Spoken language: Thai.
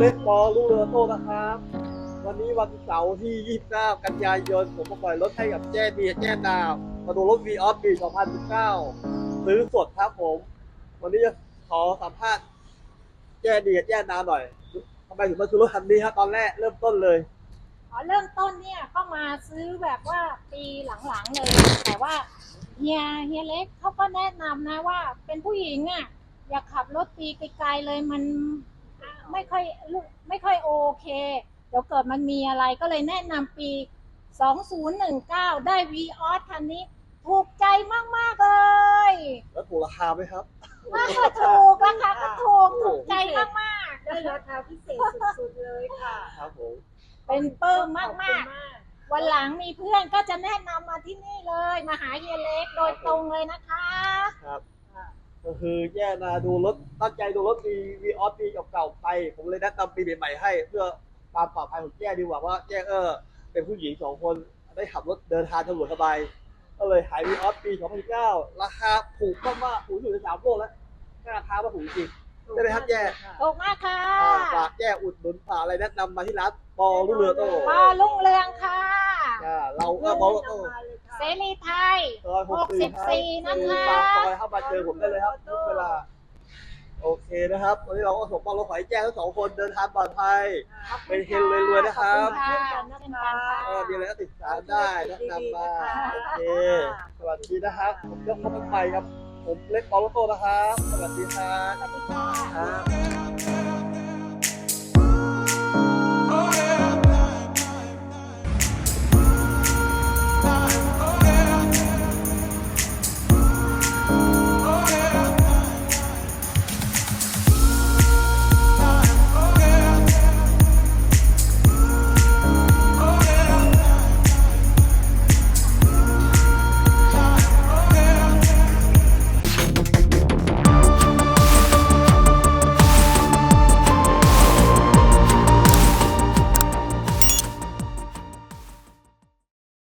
ล็กบอลลูกเรือโต้นะครับวันนี้วันเสาร์ที่ 29 กันยายนผมมาปล่อยรถให้กับแจ้เบียร์แจ้ดาวมาดูรถ V-Off ปี 2019 ซื้อสดครับผม วันนี้จะขอสัมภาษณ์แจ้เบียร์แจ้ดาวหน่อยทำไมถึงมาซื้อรถคันนี้ครับตอนแรกเริ่มต้นเลยเริ่มต้นเนี่ยก็มาซื้อแบบว่าปีหลังๆเลย แต่ว่าเฮียเล็กเขาก็แนะนำนะว่าเป็นผู้หญิงอ่ะอย่าขับรถตีไกลๆเลยมันไม่ค่อยโอเคเดี๋ยวเกิดมันมีอะไรก็เลยแนะนำปี 2019 ได้ V-Off คันนี้ถูกใจมากๆเลยแล้วถูกราคาไหมครับราคาถูกถูกใจมากได้ราคาพิเศษสุดๆเลยค่ะครับผมๆเป็นปลื้มมากๆ วันหลังมีเพื่อนก็จะแนะนำมาที่นี่เลยมาหาเฮียเล็กโดยตรงเลยนะคะครับก็คือแย่นะดูรถตั้งใจดูรถV-Off ปีเก่าๆไป ผมเลยแนะนำปีใหม่ๆให้เพื่อความปลอดภัยของแย่ดีกว่าแย่เป็นผู้หญิง2 คนได้ขับรถเดินทางสะดวกสบายก็เลยหายV-Off ปี 2019 ราคาถูกมากๆถูกสุดใน3โลกแล้วราคาว่าถูกจริงได้ไหมครับแย่ถูกมากค่ะฝากแย่อุดหนุนฝากอะไรแนะนำมาที่ร้านปอลูกเรือโต้ปอลุ่งเรืองค่ะเราก็ปอลูกโต้เสรีไทยซอย64 นะคะปากซอยเข้ามาเจอผมได้เลยครับทุกเวลาโอเคนะครับวันนี้เราก็ส่งมอบรถขอให้แจ้งทั้ง2 คนเดินทางปลอดภัยเป็นเฮงรวยๆนะครับขอบคุณค่ะเช่นกันค่ะมีอะไรก็ติดตามได้แนะนำมาโอเคสวัสดีนะครับผมเจ้าพ่อพันไปครับผมเล็กบอลโลโต้นะครับสวัสดีครับสวัสดีค่ะครับ